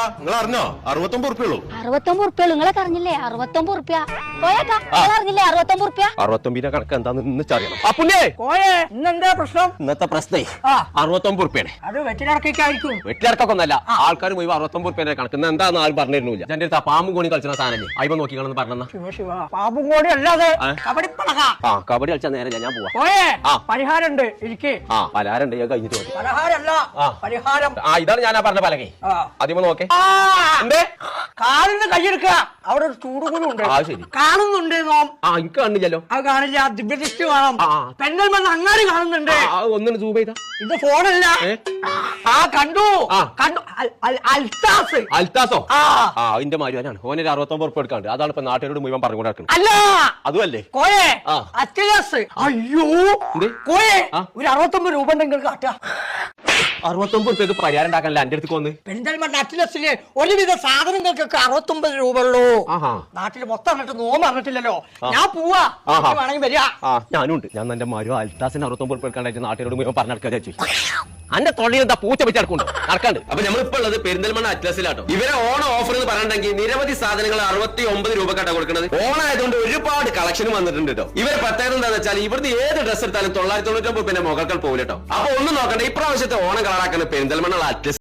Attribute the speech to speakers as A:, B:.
A: നിങ്ങൾ അറിഞ്ഞോ? 69 ഉറുപ്പിയുള്ളൂ.
B: 69 ഉറുപ്പിയുള്ളൂ. നിങ്ങളൊക്കെ അറിഞ്ഞില്ലേ? 69 ഉറുപ്പ്യ. പോയേക്കാ അറിഞ്ഞില്ലേ? 69 ഉറുപ്പ്യ.
A: 69 കണക്ക് എന്താന്ന് ഇന്നറിയണം. ആ പുണ്യേ
C: ഇന്നെന്താ പ്രശ്നം?
A: ഇന്നത്തെ പ്രശ്നേ 69 ഉറുപ്പിയാണ്.
C: അത് വെറ്റിലടക്കായിരിക്കും.
A: വെട്ടിലടക്കൊന്നല്ല, ആൾക്കാർ പോയി 69 ഉറുപ്പിന്റെ കണക്ക് എന്താന്ന് ആരും പറഞ്ഞിരുന്നില്ല. എന്റെ അടുത്ത് പാമ്പും കോണി കളിച്ച സാധനല്ലേ, അയ്യോ നോക്കിക്കളെന്ന് പറഞ്ഞ
C: ശിവ ശിവ, പാമ്പും കൂടി അല്ലാതെ കബഡിപ്പളക.
A: ആ കബഡി കളിച്ചാൽ നേരെ ഞാൻ പോവാ.
C: പരിഹാരമുണ്ട്, ഇരിക്കേ.
A: ആ പലഹാരണ്ട്, ഞാൻ കഴിഞ്ഞിട്ട് മതി.
C: പലഹാരല്ല, പരിഹാരം.
A: ആ ഇതാണ് ഞാൻ പറഞ്ഞ പലകെ. ആദ്യമേ നോക്കേ.
C: എന്തേ കാലിന് കൈയെടുക്ക, അവിടെ ഒരു ചൂടുകുരു ഉണ്ട്.
A: ആ ശരി,
C: കാണുന്നുണ്ട് നോം.
A: ആ എനിക്ക് കണ്ടില്ലല്ലോ.
C: അത് കാണില്ല, ദിവ്യദൃഷ്ടി കാണാം. പെണ്ണൽ അങ്ങാടി കാണുന്നുണ്ട്.
A: ഒന്നിന് സൂം ചെയ്താ.
C: ഇത് ഫോണല്ല. കണ്ടു കണ്ടു. അൽത്താസ്.
A: അൽത്താസോ? ആ അതിന്റെ മാരുവാനാണ്. ഓനൊരു 69 ഉറുപ്പ് എടുക്കാണ്ട്. അതാണ് ഇപ്പൊ നാട്ടുകാരോട് മുഴുവൻ പറഞ്ഞുകൊണ്ട് നടക്കുന്നത്.
C: അല്ല
A: അതുമല്ലേ
C: കോയെ അത്യാസ്. അയ്യോ കോയെ, ഒരു 69 രൂപ ഉണ്ടെങ്കിൽ കാട്ടുക.
A: 69 ഉറുപ്പ്യക്ക് പരിഹാരം ഉണ്ടാക്കാനല്ല എന്റെ അടുത്ത് വന്ന്.
C: പെരിന്തൽമണ്ണ അറ്റ്ലസിലെ ഒരുവിധ സാധനങ്ങൾക്കൊക്കെ 69 രൂപ ഉള്ളൂ. നാട്ടിൽ മൊത്തം പറഞ്ഞിട്ട് നോമ്പ് അറിഞ്ഞിട്ടില്ലല്ലോ. ഞാൻ പോവാ, വേണമെങ്കിൽ വരിക.
A: ഞാനും ഉണ്ട്. ഞാൻ എന്റെ മാരു അൽത്താസിന് 69 ഉറുപ്പ് എടുക്കാണ്ടായിട്ട് നാട്ടുകാരോട് മുഴുവൻ പറഞ്ഞെടുക്കാൻ വെച്ചു. അന്റെ തൊള്ളിയിൽ എന്താ പൂച്ച വെച്ച് നടക്കാണ്ട്. അപ്പൊ നമ്മളിപ്പോ ഉള്ളത് പെരിന്തൽമണ്ണ അറ്റ്ലസിലാട്ടോ. ഇവരെ ഓണം ഓഫർ എന്ന് പറഞ്ഞിട്ടുണ്ടെങ്കിൽ നിരവധി സാധനങ്ങൾ 69 രൂപക്കാട്ടാ കൊടുക്കുന്നത്. ഓണായതുകൊണ്ട് ഒരുപാട് കളക്ഷൻ വന്നിട്ടുണ്ട് കേട്ടോ. ഇവരെ പ്രത്യേകത എന്താണെന്ന് വെച്ചാൽ ഇവിടുത്തെ ഏത് ഡ്രസ് എടുത്താലും 999 മുകൾക്കൾ പോകില്ല കേട്ടോ. അപ്പൊ ഒന്നും നോക്കണ്ട, ഇപ്രാവശ്യത്തെ ഓണം കളറാക്കുന്ന പെരിന്തൽമണ്ണ അറ്റ്ലസ്.